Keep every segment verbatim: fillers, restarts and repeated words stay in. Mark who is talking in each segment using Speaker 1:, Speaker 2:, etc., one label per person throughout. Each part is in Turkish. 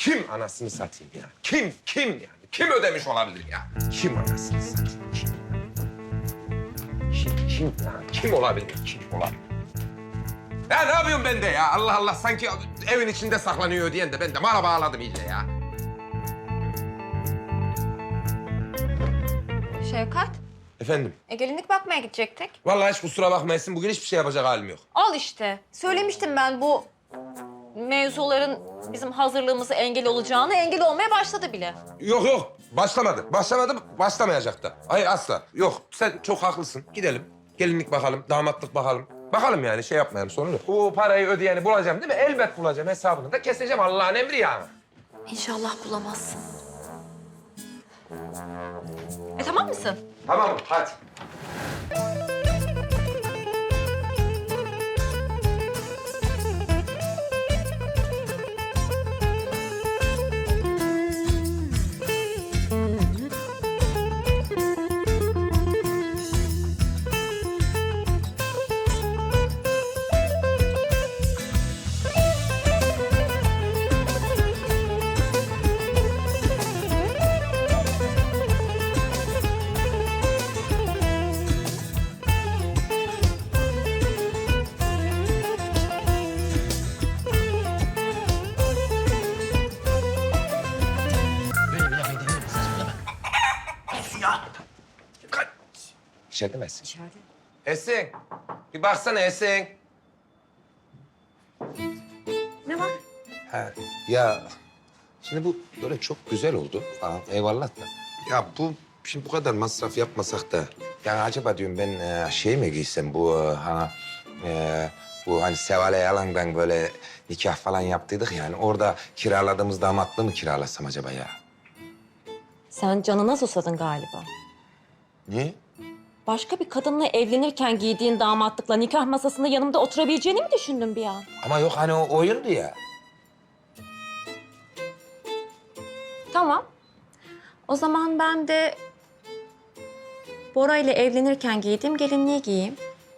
Speaker 1: Kim anasını satayım ya? Kim, kim yani? Kim ödemiş olabilir ya? Kim anasını satayım? Kim? Kim, kim ya? Kim olabilir? Kim olabilir? Ya ne yapıyorum ben de ya? Allah Allah, sanki evin içinde saklanıyor diyen de ben de mara bağladım iyice ya.
Speaker 2: Şevkat,
Speaker 1: Efendim?
Speaker 2: e, gelinlik bakmaya gidecektik.
Speaker 1: Vallahi hiç kusura bakmayasın. Bugün hiçbir şey yapacak halim yok.
Speaker 2: Al işte. Söylemiştim ben bu mevzuların bizim hazırlığımıza engel olacağını. Engel olmaya başladı bile.
Speaker 1: Yok yok. Başlamadı. Başlamadı, başlamayacak da. Hayır asla. Yok. Sen çok haklısın. Gidelim. Gelinlik bakalım, damatlık bakalım. Bakalım yani, şey yapmayalım, sorun yok. Bu parayı ödeyeni bulacağım değil mi? Elbet bulacağım. Hesabını da keseceğim. Allah'ın emri yani.
Speaker 2: İnşallah bulamazsın. E tamam mısın?
Speaker 1: Tamam, hadi. İçeride mi Esin?
Speaker 2: İçeride.
Speaker 1: Esin, bir baksana Esin.
Speaker 2: Ne var?
Speaker 1: Ha, ya şimdi bu böyle çok güzel oldu falan, eyvallah da. Ya bu, şimdi bu kadar masraf yapmasak da... Yani acaba diyorum ben e, şey mi giysem bu e, ha e, bu hani Seval Yalan'dan böyle nikah falan yaptıydık yani, orada kiraladığımız damatlığı mı kiralasam acaba ya?
Speaker 3: Sen canına susadın galiba.
Speaker 1: Niye?
Speaker 3: Başka bir kadınla evlenirken giydiğin damatlıkla nikah masasında yanımda oturabileceğini mi düşündün bir an?
Speaker 1: Ama yok hani o oyundu ya.
Speaker 3: Tamam. O zaman ben de Bora ile evlenirken giydiğim gelinliği giyeyim.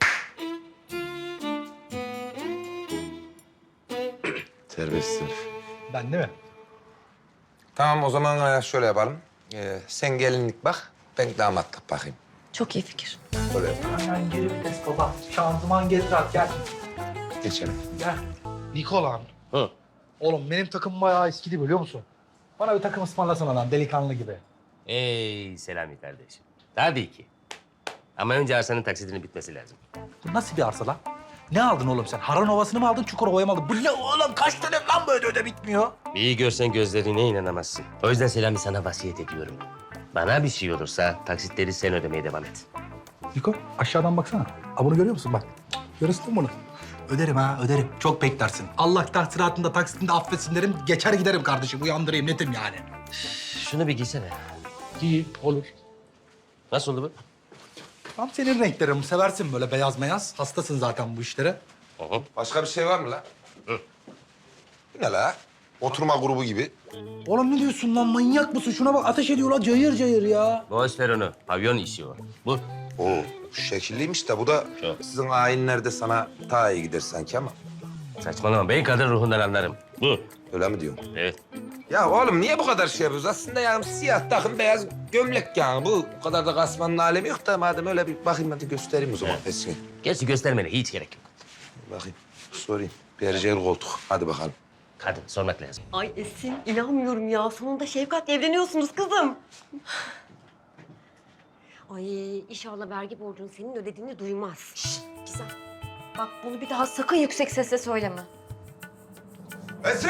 Speaker 1: Serbestsin.
Speaker 4: Ben değil mi?
Speaker 1: Tamam, o zaman e, şöyle yapalım. Ee, sen gelinlik bak, ben damatlık bakayım.
Speaker 3: Çok iyi fikir.
Speaker 1: Böyle yapalım.
Speaker 4: Hemen geri vites baba. Şanzıman geri rahat gel.
Speaker 1: Geçelim.
Speaker 4: Gel. Nikolan.
Speaker 5: Hı.
Speaker 4: Oğlum benim takım bayağı eskidi biliyor musun? Bana bir takım ısmarlasana lan delikanlı gibi.
Speaker 5: Ey Selami kardeşim. Tabii ki. Ama önce arsanın taksidinin bitmesi lazım.
Speaker 4: Bu nasıl bir arsa lan? Ne aldın oğlum sen? Haran Ovası'nı mı aldın, Çukurova'yı mı aldın? Bu ne oğlum? Kaç dönem lan bu öde öde bitmiyor?
Speaker 5: İyi görsen gözlerine inanamazsın. O yüzden Selami sana vasiyet ediyorum. Bana bir şey olursa taksitleri sen ödemeye devam et.
Speaker 4: Niko aşağıdan baksana. Ha bunu görüyor musun bak? Görüyorsun mu bunu? Öderim ha, öderim. Çok beklersin. Allah tahsilatında, taksitinde affetsin derim. Geçer giderim kardeşim. Uyandırayım, netim yani.
Speaker 5: Şunu bir giysene.
Speaker 4: İyi, olur.
Speaker 5: Nasıl oldu bu?
Speaker 4: Tam senin renklerin. Seversin böyle beyaz meyaz. Hastasın zaten bu işlere.
Speaker 5: Hı hı.
Speaker 1: Başka bir şey var mı la?
Speaker 5: Hı.
Speaker 1: Bu ne la? Oturma grubu gibi.
Speaker 4: Oğlum ne diyorsun lan? Manyak mısın? Şuna bak ateş ediyor lan cayır cayır ya.
Speaker 5: Boş ver onu. Pavyon işi o. Bu.
Speaker 1: Oo, şu şekilliymiş de bu da
Speaker 5: Çok.
Speaker 1: sizin ayinlerde sana daha iyi gider sanki ama.
Speaker 5: Saçmalama. Ben kadın ruhundan anlarım. Bu.
Speaker 1: Öyle mi diyorsun?
Speaker 5: Evet.
Speaker 1: Ya oğlum niye bu kadar şey yapıyoruz? Aslında yani siyah takım, beyaz gömlek yani. Bu, bu kadar da kasmanın alemi yok da madem öyle bir bakayım, hadi göstereyim o zaman Esin'i.
Speaker 5: Gerçi göstermene hiç gerek yok.
Speaker 1: Bakayım, sorayım. Berjer koltuk. Hadi bakalım.
Speaker 5: Kadın sormak lazım.
Speaker 6: Ay Esin, inanmıyorum ya. Sonunda Şevkat'le evleniyorsunuz kızım. Ay inşallah vergi borcunu senin ödediğini duymaz.
Speaker 2: Şşt, güzel. Bak bunu bir daha sakın yüksek sesle söyleme.
Speaker 1: Esin!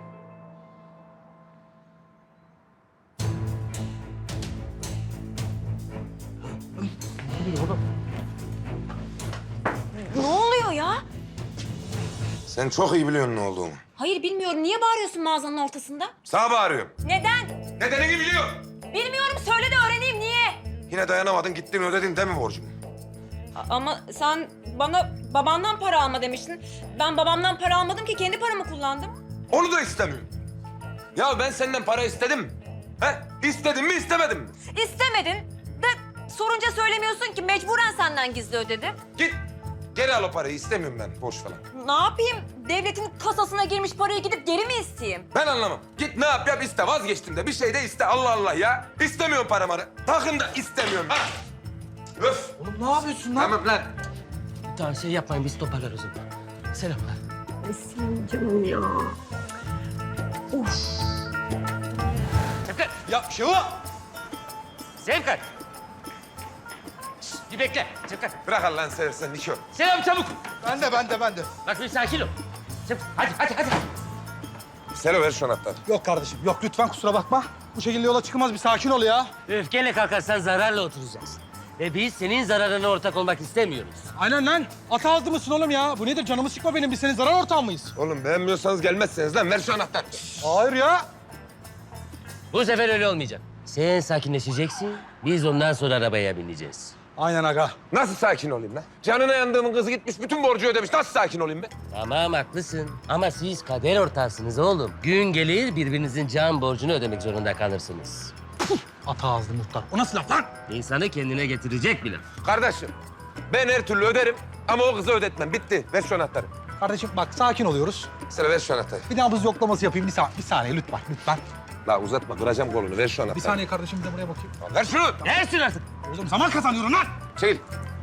Speaker 2: Ne oluyor ya?
Speaker 1: Sen çok iyi biliyorsun ne olduğunu.
Speaker 3: Hayır bilmiyorum. Niye bağırıyorsun mağazanın ortasında?
Speaker 1: Sana bağırıyorum.
Speaker 3: Neden?
Speaker 1: Nedenini biliyorum.
Speaker 3: Bilmiyorum. Söyle de öğreneyim. Niye?
Speaker 1: Yine dayanamadın, gittin ödedin değil mi borcumu?
Speaker 3: A- Ama sen bana babandan para alma demiştin. Ben babamdan para almadım ki. Kendi paramı kullandım.
Speaker 1: Onu da istemiyorum. Ya ben senden para istedim. He? İstedim mi, istemedim mi?
Speaker 3: İstemedin de sorunca söylemiyorsun ki. Mecburen senden gizli ödedim.
Speaker 1: Git. Geri al o parayı. İstemiyorum ben. Boş falan.
Speaker 3: Ne yapayım? Devletin kasasına girmiş parayı gidip geri mi isteyeyim?
Speaker 1: Ben anlamam. Git ne yap yap iste. Vazgeçtim de. Bir şey de iste. Allah Allah ya. İstemiyorum paramarı. Takın da istemiyorum. Ha. Öf.
Speaker 4: Oğlum ne yapıyorsun lan?
Speaker 1: Tamam lan.
Speaker 5: Tamam şey yapmayın biz toparlarız o zaman. Selamlar.
Speaker 6: Ay senin canım ya.
Speaker 5: Sevkat!
Speaker 4: Ya şu.
Speaker 5: Sevkat! Şşt, bir bekle Sevkat.
Speaker 1: Bırak Allah'ını seversen Niko.
Speaker 5: Selam çabuk.
Speaker 4: Ben de ben de ben de.
Speaker 5: Bak bir sakin ol. Sevkat hadi hadi hadi.
Speaker 1: Selo ver şu anahtarı.
Speaker 4: Yok kardeşim yok lütfen kusura bakma. Bu şekilde yola çıkılmaz bir sakin ol ya.
Speaker 5: Öfkeyle kalkarsan zararla oturacaksın. Ve biz senin zararına ortak olmak istemiyoruz.
Speaker 4: Aynen lan. Ata ağzı mısın oğlum ya? Bu nedir canımı sıkma benim biz senin zarar ortağın mıyız?
Speaker 1: Oğlum beğenmiyorsanız gelmezseniz lan ver şu anahtarı.
Speaker 4: Hayır ya.
Speaker 5: Bu sefer öyle olmayacak. Sen sakinleşeceksin, biz ondan sonra arabaya bineceğiz.
Speaker 4: Aynen aga.
Speaker 1: Nasıl sakin olayım lan? Canına yandığımın kızı gitmiş bütün borcu ödemiş. Nasıl sakin olayım ben?
Speaker 5: Tamam haklısın ama siz kader ortağısınız oğlum. Gün gelir birbirinizin can borcunu ödemek zorunda kalırsınız.
Speaker 4: Ata ağızlı muhtar. O nasıl laf lan?
Speaker 5: İnsanı kendine getirecek bile.
Speaker 1: Kardeşim ben her türlü öderim ama o kızı ödetmem. Bitti. Ver şu anahtarı.
Speaker 4: Kardeşim bak sakin oluyoruz.
Speaker 1: Selo ver şu anahtarı.
Speaker 4: Bir nabız yoklaması yapayım. Bir, sa- bir saniye lütfen lütfen.
Speaker 1: La uzatma kıracağım kolunu. Ver şu anahtarı.
Speaker 4: Bir saniye kardeşim bir de buraya bakayım.
Speaker 1: Ver şunu.
Speaker 5: Dersin artık.
Speaker 4: Oğlum zaman kazanıyorum lan.
Speaker 1: Çekil.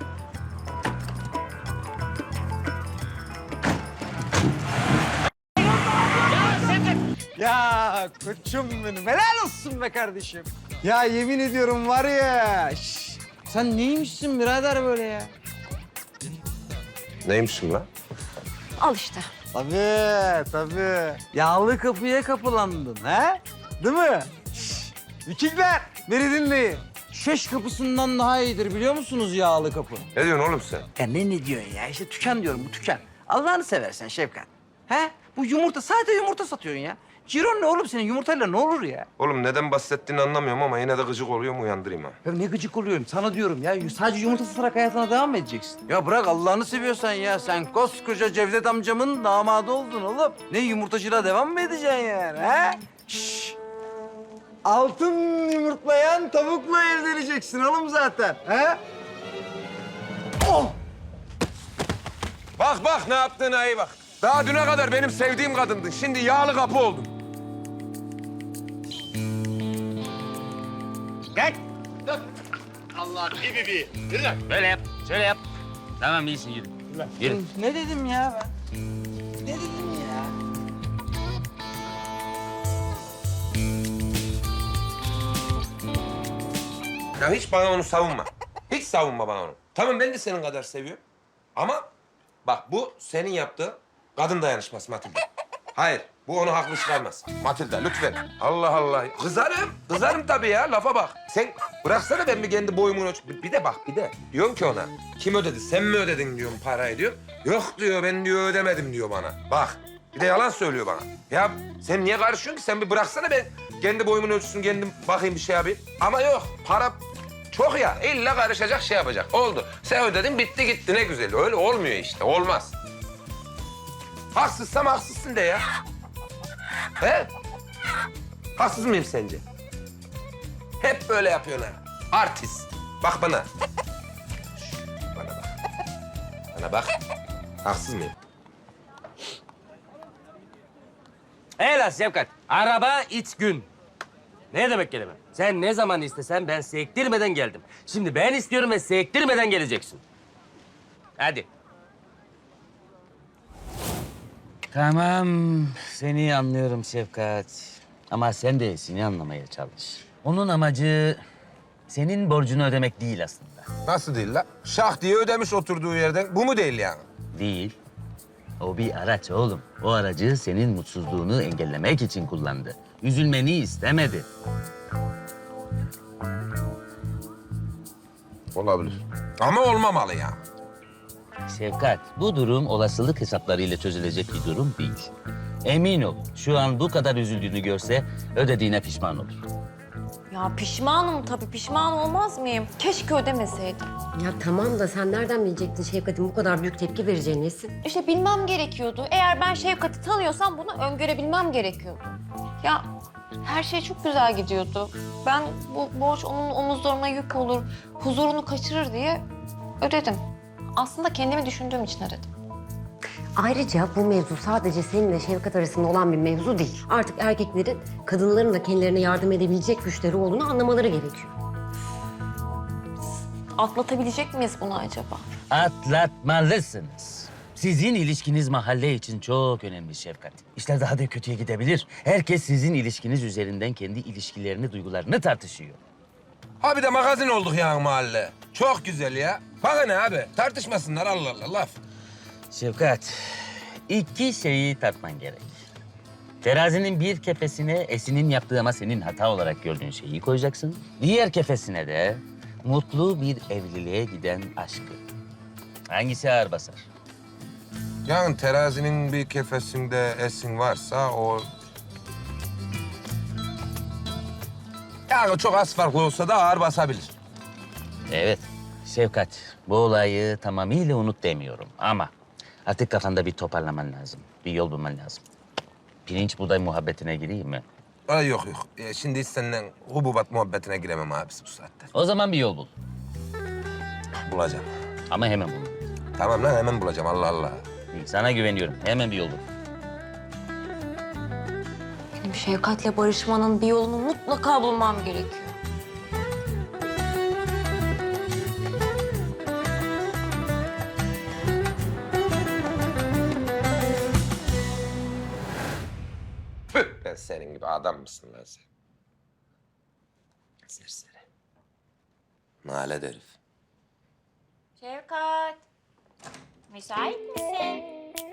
Speaker 7: Ya koçum benim. Helal olsun be kardeşim. Ya yemin ediyorum var ya. şş, sen neymişsin birader böyle ya?
Speaker 1: Neymişim lan?
Speaker 2: Al işte.
Speaker 7: Tabii tabii. Yağlı kapıya kapılandın ha? Değil mi? Şş, Vikingler beni dinleyin. Şeş kapısından daha iyidir biliyor musunuz yağlı kapı?
Speaker 1: Ne diyorsun oğlum sen?
Speaker 7: Ya ne ne diyorsun ya? İşte tüken diyorum bu tüken. Allah'ını seversen Şefkat. He? Bu yumurta sadece yumurta satıyorsun ya. Ciron ne oğlum senin yumurtayla ne olur ya?
Speaker 1: Oğlum neden bahsettiğini anlamıyorum ama yine de gıcık oluyorum uyandırayım ha.
Speaker 7: Ya ne gıcık oluyorum sana diyorum ya. Sadece yumurta satarak hayatına devam mı edeceksin? Ya bırak Allah'ını seviyorsan ya. Sen koskoca Cevdet amcamın damadı oldun oğlum. Ne yumurtacılığa devam mı edeceksin yani ha? Şşş. Altın yumurtlayan tavukla evleneceksin oğlum zaten. Ha? Oh!
Speaker 1: Bak bak ne yaptığına iyi bak. Daha düne kadar benim sevdiğim kadındın. Şimdi yağlı kapı oldun.
Speaker 5: Gel. Dur. Allah bir bir bir. Yürü lan. Böyle yap. Şöyle yap. Tamam iyisin yürü. Yürü.
Speaker 7: Ne dedim ya ben? Ne dedim ya?
Speaker 1: Ya hiç bana onu savunma. Hiç savunma bana onu. Tamam ben de senin kadar seviyorum. Ama bak bu senin yaptığın kadın dayanışması Matilda. Hayır bu onu haklı çıkarmaz. Matilda lütfen. Allah Allah. Kızarım. Kızarım tabii ya lafa bak. Sen bıraksana ben bir kendi boyumun ölç... Bir bir de bak bir de. Diyorum ki ona. Kim ödedi? Sen mi ödedin diyorum parayı diyor. Yok diyor ben diyor ödemedim diyor bana. Bak bir de yalan söylüyor bana. Ya sen niye karışıyorsun ki? Sen bir bıraksana ben kendi boyumun ölçüsünü kendim bakayım bir şey yapayım. Ama yok para çok ya. İlla karışacak şey yapacak. Oldu. Sen ödedin bitti gitti ne güzel. Öyle olmuyor işte. Olmaz. Haksızsam haksızsın de ya. He? Haksız mıyım sence? Hep böyle yapıyorsun ha. Artist. Bak bana. Şş, bana bak. Bana bak. Haksız mıyım?
Speaker 5: Helal Sevkat. Araba iç gün. Ne demek kelime? Sen ne zaman istesen ben sektirmeden geldim. Şimdi ben istiyorum ve sektirmeden geleceksin. Hadi.
Speaker 8: Tamam, seni anlıyorum Şefkat. Ama sen de seni anlamaya çalış. Onun amacı senin borcunu ödemek değil aslında.
Speaker 1: Nasıl değil la? Şah diye ödemiş oturduğu yerden. Bu mu değil yani?
Speaker 8: Değil. O bir araç oğlum. O aracı senin mutsuzluğunu engellemek için kullandı. Üzülmeni istemedi.
Speaker 1: Olabilir. Ama olmamalı ya.
Speaker 8: Şefkat, bu durum olasılık hesaplarıyla çözülecek bir durum değil. Emin ol, şu an bu kadar üzüldüğünü görse ödediğine pişman olur.
Speaker 2: Ya pişmanım tabii, pişman olmaz mıyım? Keşke ödemeseydim.
Speaker 6: Ya tamam da sen nereden bilecektin Şevkat'in bu kadar büyük tepki vereceğini Nesin?
Speaker 2: İşte bilmem gerekiyordu. Eğer ben Şevkat'i tanıyorsam bunu öngörebilmem gerekiyordu. Ya her şey çok güzel gidiyordu. Ben bu borç onun omuzlarına yük olur, huzurunu kaçırır diye ödedim. Aslında kendimi düşündüğüm için aradım.
Speaker 6: Ayrıca bu mevzu sadece seninle Şevkat arasında olan bir mevzu değil. Artık erkeklerin kadınların da kendilerine yardım edebilecek güçleri olduğunu anlamaları gerekiyor.
Speaker 2: Atlatabilecek miyiz bunu acaba?
Speaker 8: Atlatmalısınız. Sizin ilişkiniz mahalle için çok önemli Şefkat. İşler daha da kötüye gidebilir. Herkes sizin ilişkiniz üzerinden kendi ilişkilerini, duygularını tartışıyor.
Speaker 1: Abi de magazin olduk yani mahalle. Çok güzel ya. Bana ne abi? Tartışmasınlar Allah Allah laf.
Speaker 8: Şefkat, iki şeyi tartman gerek. Terazinin bir kefesine Esin'in yaptığı ama senin hata olarak gördüğün şeyi koyacaksın. Diğer kefesine de mutlu bir evliliğe giden aşkı. Hangisi ağır basar?
Speaker 1: Yani terazinin bir kefesinde Esin varsa o... Yani çok az farklı olsa da ağır basabilir.
Speaker 8: Evet, Şefkat. Bu olayı tamamıyla unut demiyorum ama artık kafanda bir toparlaman lazım. Bir yol bulman lazım. Pirinç buğday muhabbetine gireyim mi?
Speaker 1: Ay yok yok. Ee, şimdi hiç seninle hububat muhabbetine giremem abisi bu saatte.
Speaker 8: O zaman bir yol bul.
Speaker 1: Bulacağım.
Speaker 8: Ama hemen bul.
Speaker 1: Tamam lan hemen bulacağım Allah Allah.
Speaker 8: İyi, sana güveniyorum. Hemen bir yol bul.
Speaker 2: Benim Şevkat'le barışmanın bir yolunu mutlaka bulmam gerekiyor.
Speaker 1: Püh, ben senin gibi adam mısın lan sen? Serseri. Nalet herif.
Speaker 2: Şevkat, müsait misin?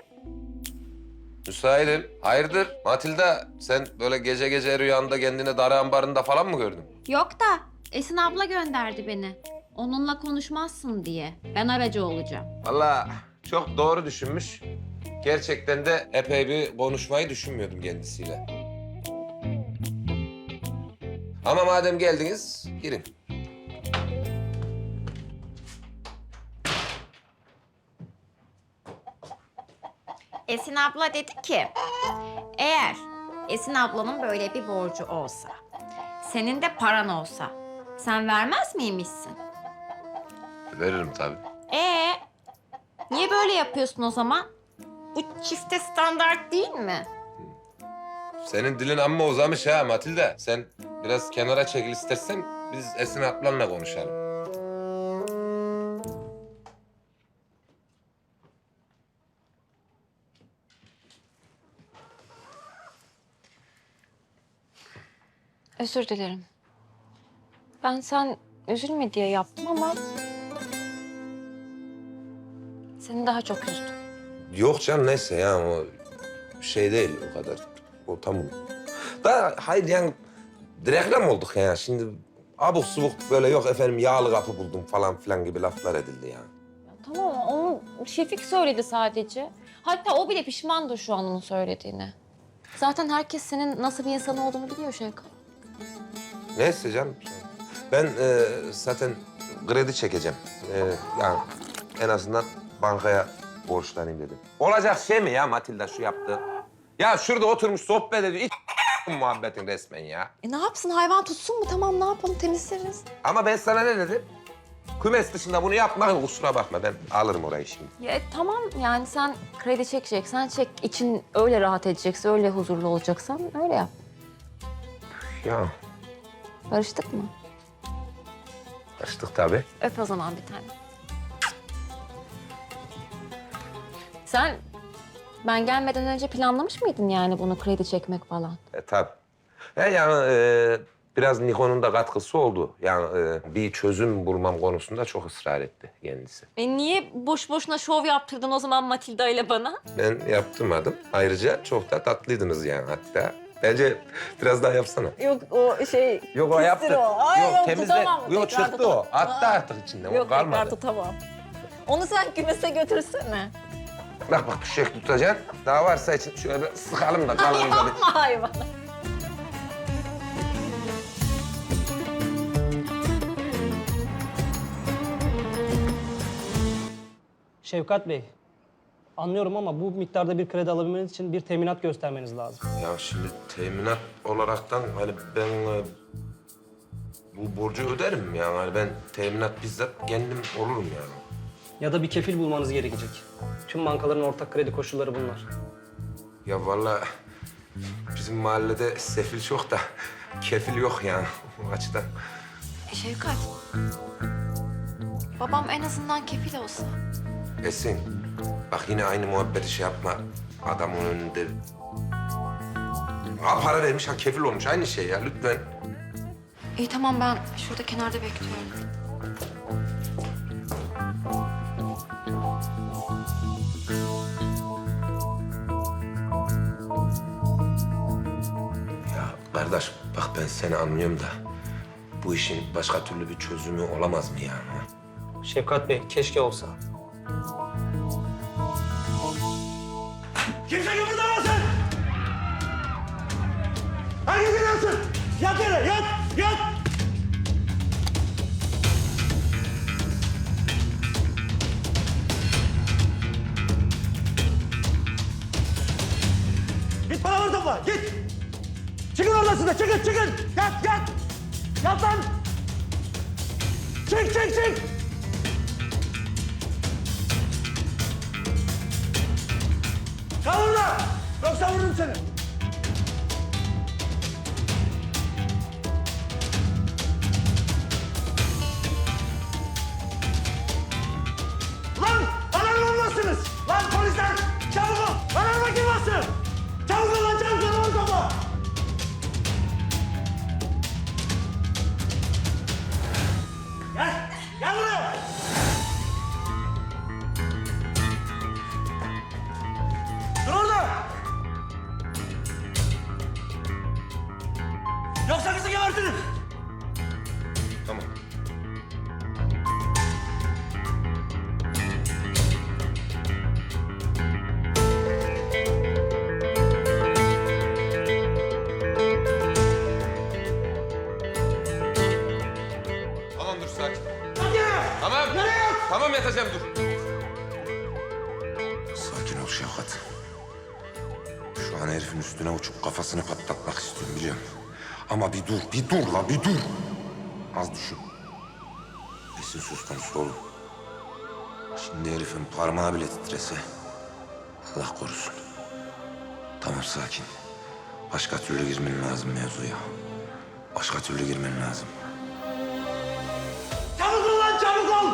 Speaker 1: Müsaitim. Hayırdır? Matilda sen böyle gece gece rüyanda kendini darı ambarında falan mı gördün?
Speaker 9: Yok da Esin abla gönderdi beni. Onunla konuşmazsın diye. Ben aracı olacağım.
Speaker 1: Vallahi çok doğru düşünmüş. Gerçekten de epey bir konuşmayı düşünmüyordum kendisiyle. Ama madem geldiniz, girin.
Speaker 9: Esin abla dedi ki, eğer Esin ablanın böyle bir borcu olsa, senin de paran olsa, sen vermez miymişsin?
Speaker 1: Veririm tabii.
Speaker 9: Ee, niye böyle yapıyorsun o zaman? Bu çifte standart değil mi?
Speaker 1: Senin dilin amma uzamış ha Matilda. Sen biraz kenara çekil istersen biz Esin ablanla konuşalım.
Speaker 2: Özür dilerim. Ben sen üzülme diye yaptım ama... seni daha çok üzdüm.
Speaker 1: Yok canım neyse ya o şey değil o kadar. O tamam. Da hayır yani reklam olduk ya. Şimdi abuk subuk böyle yok efendim yağlı kapı buldum falan filan gibi laflar edildi ya.
Speaker 2: Tamam, onu Şefik söyledi sadece. Hatta o bile pişmandır şu an onun söylediğine. Zaten herkes senin nasıl bir insan olduğunu biliyor Şevkat.
Speaker 1: Neyse canım. Ben e, zaten kredi çekeceğim. E, yani en azından bankaya borçlanayım dedim. Olacak şey mi ya Matilda şu yaptığı? Ya şurada oturmuş sohbet ediyor. İç muhabbetin resmen ya.
Speaker 2: E ne yapsın, hayvan tutsun mu? Tamam, ne yapalım, temizleriz.
Speaker 1: Ama ben sana ne dedim? Kümes dışında bunu yapma, kusura bakma. Ben alırım orayı şimdi.
Speaker 2: Ya, e, tamam, yani sen kredi çekeceksen çek. İçin öyle rahat edecekse, öyle huzurlu olacaksan öyle yap.
Speaker 1: Ya
Speaker 2: Barıştık mı?
Speaker 1: açtık tabii.
Speaker 2: Öp o zaman bir tane. Sen ben gelmeden önce planlamış mıydın yani bunu kredi çekmek falan?
Speaker 1: E tabii. E, yani e, biraz Nikon'un da katkısı oldu. Yani e, bir çözüm bulmam konusunda çok ısrar etti kendisi.
Speaker 2: E niye boş boşuna şov yaptırdın o zaman Matilda ile bana?
Speaker 1: Ben yaptırmadım. Ayrıca çok da tatlıydınız yani hatta. Bence biraz daha yapsana.
Speaker 2: Yok o şey...
Speaker 1: Yok o yaptı.
Speaker 2: o. Ay,
Speaker 1: yok
Speaker 2: yok,
Speaker 1: temizle.
Speaker 2: tutamam.
Speaker 1: Yok
Speaker 2: Tekrar
Speaker 1: çıktı o.
Speaker 2: tutamam.
Speaker 1: Attı
Speaker 2: Aa.
Speaker 1: artık içinden.
Speaker 2: Yok
Speaker 1: o kalmadı.
Speaker 2: tekrar tutamam. Onu sen kümese götürsene.
Speaker 1: Bak bak düşecek tutacaksın. Daha varsa için şöyle bir sıkalım da kalın da bir.
Speaker 2: Yapma hayvan.
Speaker 10: Şevkat Bey, anlıyorum ama bu miktarda bir kredi alabilmeniz için bir teminat göstermeniz lazım.
Speaker 1: Ya şimdi teminat olaraktan hani ben e, bu borcu öderim yani. Hani ben teminat bizzat kendim olurum yani.
Speaker 10: Ya da bir kefil bulmanız gerekecek. Tüm bankaların ortak kredi koşulları bunlar.
Speaker 1: Ya vallahi bizim mahallede sefil çok da kefil yok yani o açıdan.
Speaker 2: E, Şevkat. Babam en azından kefil olsa.
Speaker 1: Esin, bak yine aynı muhabbeti şey yapma. Adamın önünde... Ha, para vermiş, ha kefil olmuş. Aynı şey ya, lütfen.
Speaker 2: İyi tamam, ben şurada kenarda bekliyorum.
Speaker 1: Ya kardeş, bak ben seni anlıyorum da... bu işin başka türlü bir çözümü olamaz mı yani? ha?
Speaker 10: Şevkat Bey, keşke olsa.
Speaker 11: Kimse kıpırdamasın! Herkes inansın! Yat yere, yat, yat! Git paraları topla, git! Çıkın odasında, çıkın, çıkın! Yat, yat! Yat lan! Çık, çık, çık! Kal orada! Yoksa vururum seni! Lan! Alarm olmazsınız! Lan polisler! Çabuk ol! Alarma kim bastı? Çabuk ol lan! Çabuk ol! Çabuk ol! Gel! Gel buraya! Dur orada! Yoksa kızı gebertirim!
Speaker 1: Tamam. Tamam dur sakin.
Speaker 11: Hadi!
Speaker 1: Tamam.
Speaker 11: Nereye yat?
Speaker 1: Tamam yatacağım dur. Sakin ol Şevkat. Şu an herifin üstüne uçup kafasını patlatmak istiyorum biliyorum. Ama bir dur, bir dur la bir dur. Az düşün. Esin söz konusu oğlum. Şimdi herifin parmağı bile titrese Allah korusun. Tamam sakin. Başka türlü girmen lazım mevzuya. Başka türlü girmen lazım.
Speaker 11: Çabuk ol lan çabuk ol!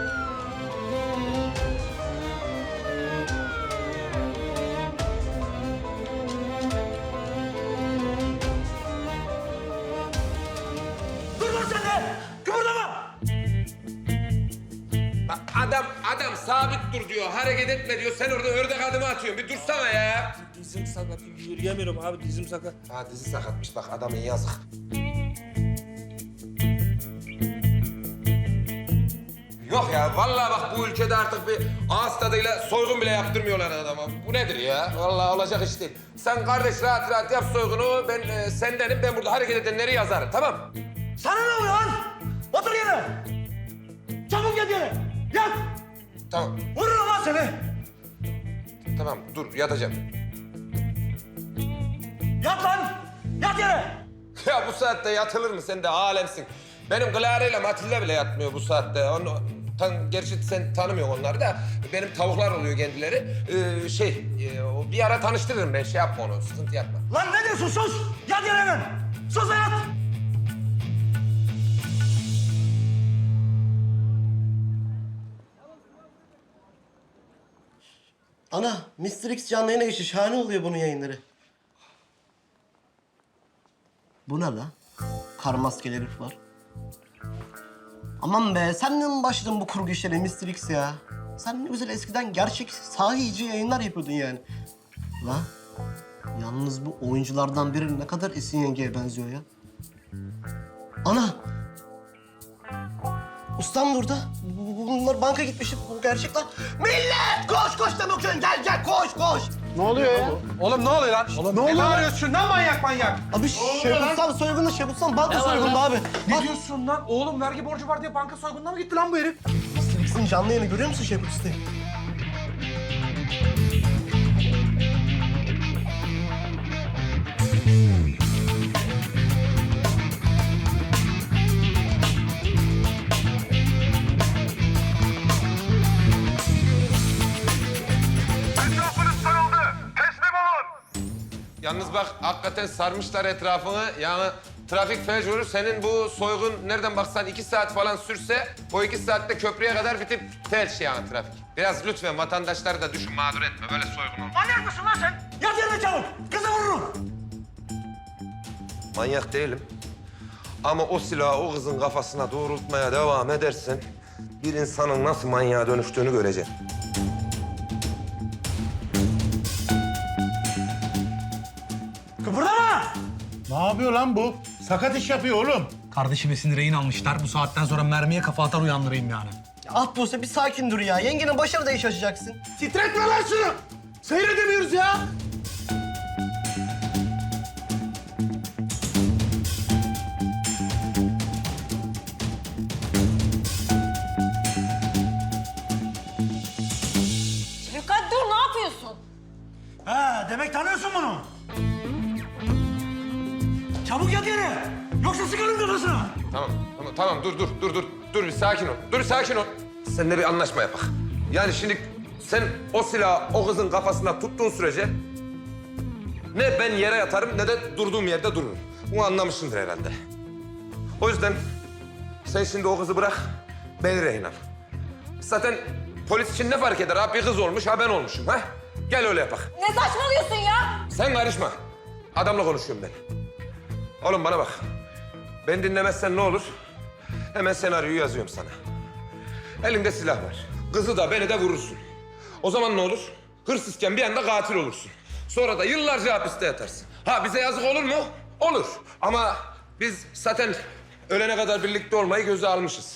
Speaker 11: Dur lan sen de! Kıpırdama!
Speaker 1: Bak adam, adam sabit dur diyor, hareket etme diyor. Sen orada ördek adımı atıyorsun. Bir dursana ya.
Speaker 11: Dizim sakat, yürüyemiyorum abi, dizim sakat.
Speaker 1: Ha dizi sakatmış bak adamın yazık. Yok ya vallahi bak bu ülkede artık bir ağız tadıyla soygun bile yaptırmıyorlar adama. Bu nedir ya? Vallahi olacak iş değil. Sen kardeş rahat rahat yap soygunu. Ben e, sendenim. Ben burada hareket edenleri yazarım tamam mı?
Speaker 11: Sana ne oluyor lan? Otur yere! Çabuk yat yere! Yat!
Speaker 1: Tamam.
Speaker 11: Vururum lan seni!
Speaker 1: Tamam dur yatacağım.
Speaker 11: Yat lan! Yat yere!
Speaker 1: Ya bu saatte yatılır mı? Sen de alemsin. Benim Clara ile Matilda bile yatmıyor bu saatte. Onu, tan, gerçi sen tanımıyorsun onları da. Benim tavuklar oluyor kendileri. Ee, şey, e, o bir ara tanıştırırım ben. Şey yapma onu, sıkıntı yapma.
Speaker 11: Lan ne diyorsun? Sus! Yat yere hemen! Sus ve yat!
Speaker 12: Ana, mister X canlı yayına geçti. Şahane oluyor bunun yayınları. Bu ne la? Kar maskeli herif var. Aman be, sen de mi başladın bu kurgu işlere mister X ya? Sen ne güzel eskiden gerçek sahici yayınlar yapıyordun yani. La, yalnız bu oyunculardan biri ne kadar Esin yengeye benziyor ya. Ana! Ustam burada. Bu- bu- Bunlar banka gitmiş. Bu gerçek lan. Millet! Koş koş da bakıyorsun. Gel gel koş koş. Ne oluyor ya?
Speaker 4: Oğlum ne oluyor lan? Oğlum, ne oluyor? Ne bağırıyorsun lan manyak manyak?
Speaker 12: Abi Şebutsal soygunu, Şebutsal banka soygunu abi.
Speaker 4: Ne
Speaker 12: Bak,
Speaker 4: diyorsun lan? Oğlum vergi borcu var diye banka soygununa mı gitti lan bu herif?
Speaker 12: mister X'in canlı yayını görüyor musun Şebutsal'ı?
Speaker 1: Yalnız bak hakikaten sarmışlar etrafını. Yani trafik fecuru. Senin bu soygun nereden baksan iki saat falan sürse... ...o iki saatte köprüye kadar bitip felç yani trafik. Biraz lütfen vatandaşları da düşün, mağdur etme. Böyle soygun olmaz.
Speaker 11: Manyak mısın lan sen? Yat yerine çabuk. Kızı vururum.
Speaker 1: Manyak değilim. Ama o silahı o kızın kafasına doğrultmaya devam edersen... ...bir insanın nasıl manyağa dönüştüğünü göreceksin.
Speaker 11: Kıpırdama!
Speaker 13: Ne yapıyor lan bu? Sakat iş yapıyor oğlum.
Speaker 4: Kardeşim Esin'i rehin almışlar. Bu saatten sonra mermiye kafa atar uyandırayım yani.
Speaker 12: Ya ah Buse bir sakin dur ya. Yengenin başına da iş açacaksın.
Speaker 13: Titretme lan şunu. Seyredemiyoruz ya.
Speaker 3: Şefkat dur, ne yapıyorsun?
Speaker 11: Ha, demek tanıyorsun bunu. Çabuk yat yere. Yoksa sıkarım kafasına.
Speaker 1: Tamam, tamam, tamam. Dur, dur, dur, dur. Dur bir sakin ol. Dur bir sakin ol. Seninle bir anlaşma yapak. Yani şimdi sen o silahı o kızın kafasına tuttuğun sürece... ...ne ben yere yatarım ne de durduğum yerde dururum. Bunu anlamışsındır herhalde. O yüzden sen şimdi o kızı bırak, beni rehin al. Zaten polis için ne fark eder? Ha bir kız olmuş, ha ben olmuşum. Ha? Gel öyle yapak.
Speaker 3: Ne saçmalıyorsun ya?
Speaker 1: Sen karışma. Adamla konuşuyorum ben. Oğlum bana bak. Ben dinlemezsen ne olur? Hemen senaryoyu yazıyorum sana. Elinde silah var. Kızı da beni de vurursun. O zaman ne olur? Hırsızken bir anda katil olursun. Sonra da yıllarca hapiste yatarsın. Ha bize yazık olur mu? Olur. Ama biz zaten ölene kadar birlikte olmayı göze almışız.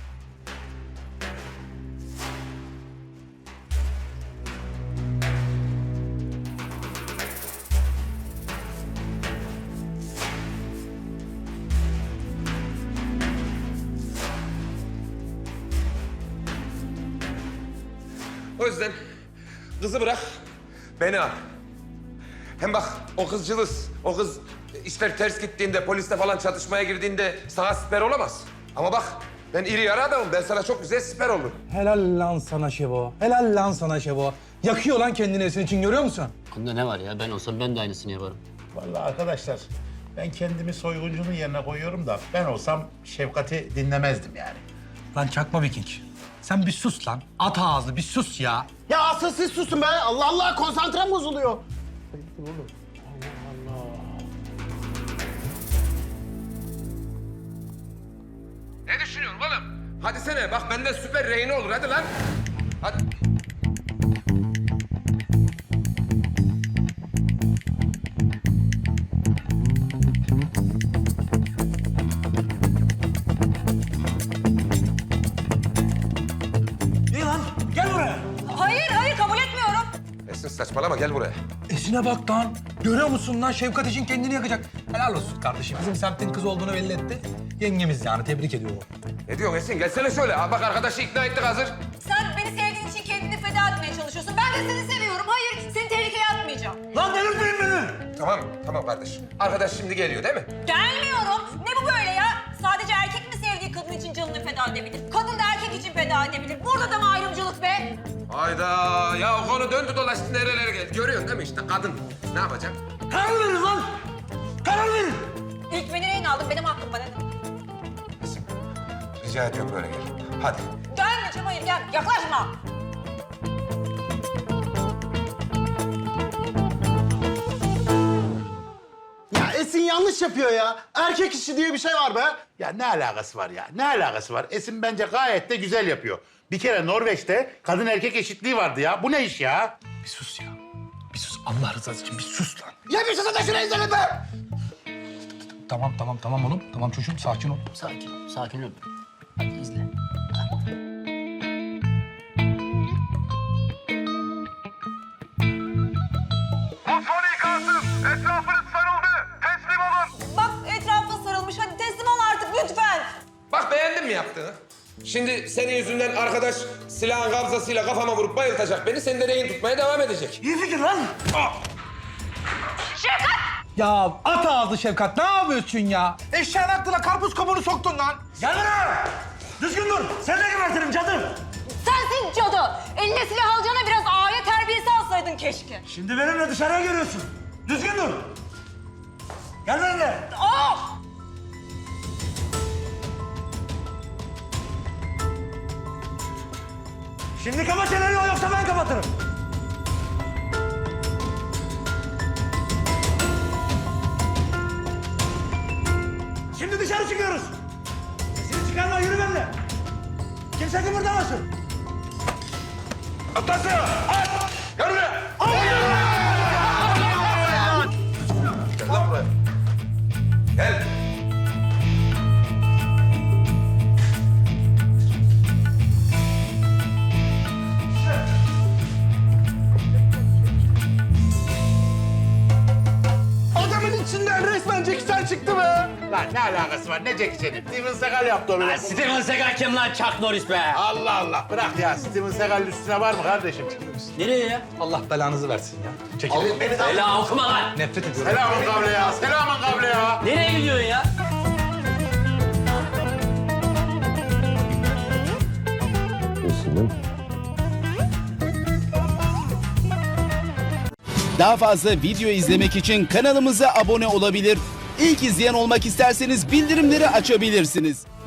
Speaker 1: O yüzden kızı bırak, beni al. Hem bak o kız cılız, o kız işler ters gittiğinde, polisle falan çatışmaya girdiğinde sana siper olamaz. Ama bak ben iri yarı adamım, ben sana çok güzel siper olurum.
Speaker 4: Helal lan sana Şevo. Helal lan sana Şevo. Yakıyor lan kendini Esin için, görüyor musun?
Speaker 10: Bunda ne var ya? Ben olsam ben de aynısını yaparım.
Speaker 13: Vallahi arkadaşlar ben kendimi soyguncunun yerine koyuyorum da ben olsam Şefkat'i dinlemezdim yani.
Speaker 4: Lan çakma Viking. Sen bir sus lan. At ağzı bir sus ya.
Speaker 12: Ya asıl siz susun be. Allah Allah konsantrem bozuluyor.
Speaker 1: Ne düşünüyorsun oğlum? Hadi sene bak benden süper rehine olur hadi lan. Hadi.
Speaker 11: İyi lan, gel buraya.
Speaker 3: Hayır, hayır kabul etmiyorum.
Speaker 1: Esin saçmalama gel buraya.
Speaker 4: Esin'e bak lan. Görüyor musun lan? Şefkat için kendini yakacak. Helal olsun kardeşim. Bizim semtin kız olduğunu belli etti. Yengemiz yani. Tebrik ediyorum.
Speaker 1: Ne diyorsun Esin? Gelsene şöyle. Ha, bak arkadaşı ikna ettik hazır.
Speaker 3: Sen beni sevdiğin için kendini feda etmeye çalışıyorsun. Ben de seni seviyorum. Hayır, seni tehlikeye atmayacağım.
Speaker 11: Lan delirtmeyin beni.
Speaker 1: Tamam, tamam kardeş. Arkadaş şimdi geliyor değil mi?
Speaker 3: Gelmiyorum. Ne bu böyle ya? Sadece erkek mi sevdiği kadın için canını feda edebilir? Kadın da erkek için feda edebilir. Burada da mı ayrımcılık be?
Speaker 1: Hayda. Ya o konu döndü dolaştı nerelere geldi. Görüyorsun değil mi işte kadın. Ne yapacak?
Speaker 11: Karar verin lan. Karar verin.
Speaker 3: İlk beni rehin aldın. Benim hakkım bana.
Speaker 1: Esin, rica ediyorum böyle gel. Hadi.
Speaker 3: Gelme Cevahir gel. Yaklaşma.
Speaker 12: Ya Esin yanlış yapıyor ya. Erkek işi diye bir şey var be.
Speaker 13: Ya ne alakası var ya? Ne alakası var? Esin bence gayet de güzel yapıyor. Bir kere Norveç'te kadın erkek eşitliği vardı ya. Bu ne iş ya?
Speaker 4: Bir sus ya. Bir sus. Allah rızası için bir sus lan.
Speaker 12: Ya bir susun da şunu izleyin be.
Speaker 4: Tamam tamam tamam oğlum. Tamam çocuğum sakin ol.
Speaker 10: Sakin, sakin ol. Hadi izle.
Speaker 3: Bak etrafa sarılmış. Hadi teslim ol artık lütfen.
Speaker 1: Bak beğendin mi yaptığını? Şimdi senin yüzünden arkadaş silahın kabzasıyla kafama vurup bayıltacak beni. Seni de rehin tutmaya devam edecek.
Speaker 11: İyi fikir lan.
Speaker 4: Ya at ağzı Şefkat. Ne yapıyorsun ya? Eşeğin aklına karpuz kabuğunu soktun lan.
Speaker 11: Gel buraya. Düzgün dur. Seni de gebertirim cadı.
Speaker 3: Sensin cadı. Eline silah alacağına biraz aile terbiyesi alsaydın keşke.
Speaker 11: Şimdi benimle dışarıya geliyorsun. Düzgün dur. Gel benimle. Şimdi kapa çeneni yoksa ben kapatırım. Şimdi dışarı çıkıyoruz. Sesini çıkarma, yürü benimle. Kimse kımıldamasın.
Speaker 1: Atlasın! At! Gel buraya! Gel lan buraya. Gel.
Speaker 11: Adamın içinden resmen Jackie Chan çıktı be.
Speaker 13: Lan ne alakası var? Ne Jackie Chan'i? Steven Seagal yaptı onu.
Speaker 8: Steven Seagal kim lan? Chuck Norris be.
Speaker 13: Allah Allah. Bırak ya. Steven Seagal'ın üstüne var mı kardeşim?
Speaker 8: Nereye ya?
Speaker 4: Allah belanızı versin ya. Çekil.
Speaker 8: Ela okuma lan.
Speaker 4: Nefret ediyorum.
Speaker 13: Selamun kavle ya. Selamun kavle ya.
Speaker 8: Nereye gidiyorsun ya?
Speaker 14: Daha fazla video izlemek için kanalımıza abone olabilir. İlk izleyen olmak isterseniz bildirimleri açabilirsiniz.